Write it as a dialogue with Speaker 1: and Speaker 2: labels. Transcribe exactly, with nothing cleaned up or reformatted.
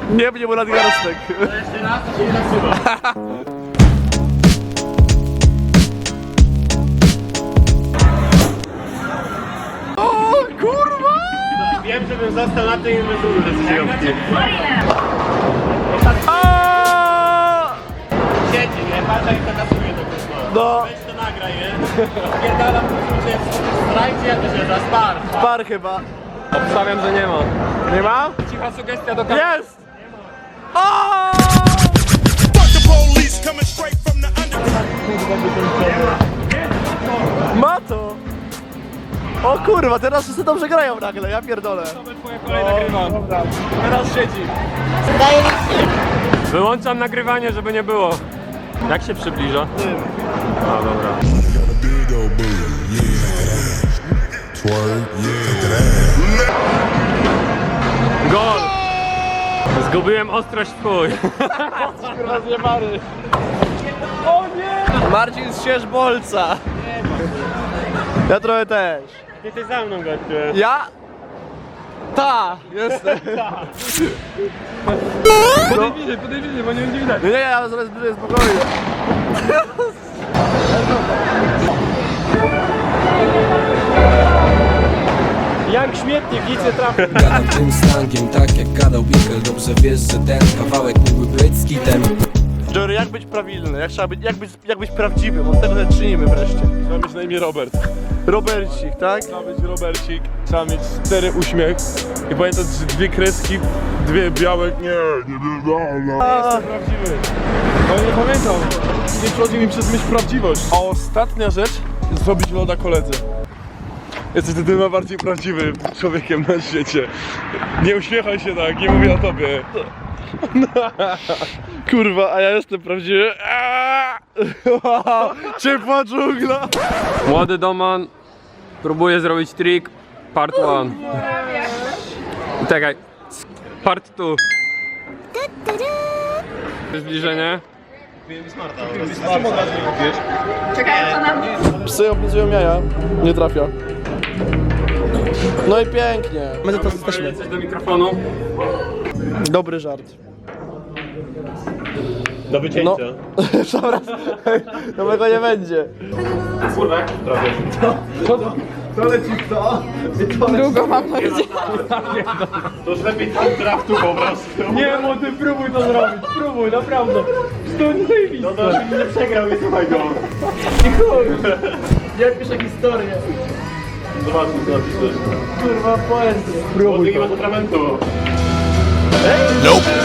Speaker 1: Nie będzie mu nadgarstek.
Speaker 2: Jeszcze raz, to się nie nasuwa.
Speaker 1: O kurwa!
Speaker 2: Wiem, żebym został na tej inwestycji decyzjowki. Siedzi, nie? Patrz jak to kasuje to wszystko.
Speaker 1: No.
Speaker 2: Weź to nagraj, nie? Spierdalam, że jest strajk, czy jak to się da? Spar.
Speaker 1: Par chyba.
Speaker 3: Obstawiam, że nie ma.
Speaker 1: Nie ma?
Speaker 3: Cicha sugestia do kamery.
Speaker 1: Jest! O! Ma to! O kurwa, teraz wszyscy dobrze grają nagle, ja pierdolę.
Speaker 3: Twoja kolej nagrywam.
Speaker 1: Teraz siedzi.
Speaker 3: Wyłączam nagrywanie, żeby nie było. Jak się przybliża? A, dobra. Gol! Zgubiłem ostrość w chuj.
Speaker 1: Kurwa zjebany. O nie! Marcin z Sierzbolca. Ja trochę też.
Speaker 2: Ty ty za mną gościu.
Speaker 1: Ja? Ta! Jestem.
Speaker 3: Podaj bliżej, podaj bliżej, bo nie będzie widać.
Speaker 1: Nie, nie, ja zaraz bliżej spokojnie.
Speaker 2: Jak śmietnik, nic nie trafi.
Speaker 4: Gadam tym slangiem, tak jak gadał Bickel. Dobrze wiesz, że ten kawałek mógłby być skitem.
Speaker 1: Jory, jak być prawilny? Jak trzeba być, jak być, jak być prawdziwym? Od tego się czynimy wreszcie.
Speaker 5: Trzeba mieć na imię Robert.
Speaker 1: Robercik, tak?
Speaker 5: Trzeba być Robercik, trzeba mieć cztery uśmiech i pamiętać, że dwie kreski, dwie białe. Nie, nie, nie, nie.
Speaker 1: A,
Speaker 5: Prawdziwy. No nie pamiętam. Nie przechodzi mi przez myśl prawdziwość. A ostatnia rzecz, zrobić loda koledze. Jesteś tym najbardziej prawdziwym człowiekiem na świecie. Nie uśmiechaj się tak, nie mówię o tobie.
Speaker 1: kurwa, a ja jestem prawdziwy. Aaaa! Ciepła dżungla.
Speaker 3: Młody Doman próbuje zrobić trik. Part one. Czekaj. Part two. Zbliżenie.
Speaker 1: Psy oblizują jaja. Nie trafia. No i pięknie. My to jesteśmy.
Speaker 3: Coś do mikrofonu.
Speaker 1: Dobry żart.
Speaker 2: Do wycięcia.
Speaker 1: No. Dobra. Nowego nie będzie.
Speaker 2: Kurwa, jak trafię.
Speaker 1: To leci kto?
Speaker 6: Długo mam nadzieję.
Speaker 2: To już lepiej tam draftu po prostu.
Speaker 3: Nie, młody, próbuj to zrobić. Próbuj, naprawdę. To nie zajebiste.
Speaker 2: No to już nie przegrał, nie słuchaj go.
Speaker 1: Jak pisze historię.
Speaker 2: Zobaczmy, co napiszesz.
Speaker 1: Kurwa, poezję.
Speaker 2: Młody nie ma atramentu.
Speaker 7: Nope.